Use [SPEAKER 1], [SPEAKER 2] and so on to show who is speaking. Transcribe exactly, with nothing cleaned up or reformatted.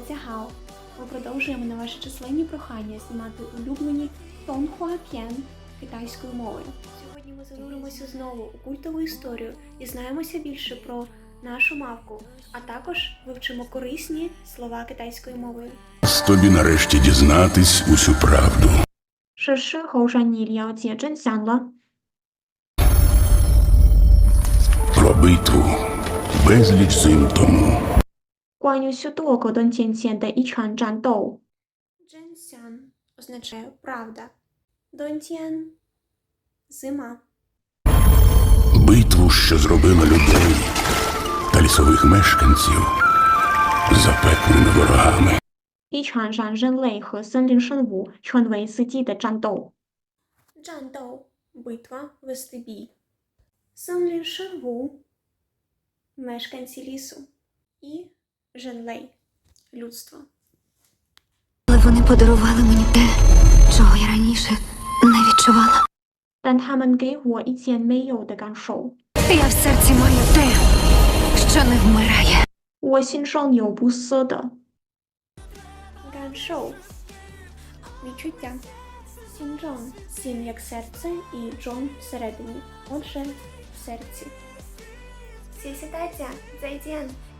[SPEAKER 1] 大家好! Ми продовжуємо на ваші численні прохання знімати улюблені тонхуа п'єн китайською мовою. Сьогодні ми зануримося знову у культову історію, дізнаємося більше про нашу мавку, а також вивчимо корисні слова китайською мовою.
[SPEAKER 2] Тобі нарешті дізнатись усю правду.
[SPEAKER 1] 是时候让你了解真相了。
[SPEAKER 2] Про битву безліч зим тому.
[SPEAKER 1] 关于许多个多年前的一场战斗。真相 означає правда. Донтєн – зима.
[SPEAKER 2] Битву, що зробила людей та лісових мешканців запеклими ворогами.
[SPEAKER 1] 一场让人类和森林生物成为死敌的战斗。战斗 битва, вести бій. 森林生物 мешканці лісу. І Женлей – людство.
[SPEAKER 3] Але вони подарували мені те, чого я раніше не відчувала.
[SPEAKER 1] 但他们给我一件没有的感受。
[SPEAKER 3] Я в серці маю те, що не вмирає.
[SPEAKER 1] 我心上有不死的感受 відчуття. Сінджон – сін як серце і джон всередині, отже в серці. 谢谢大家，再见。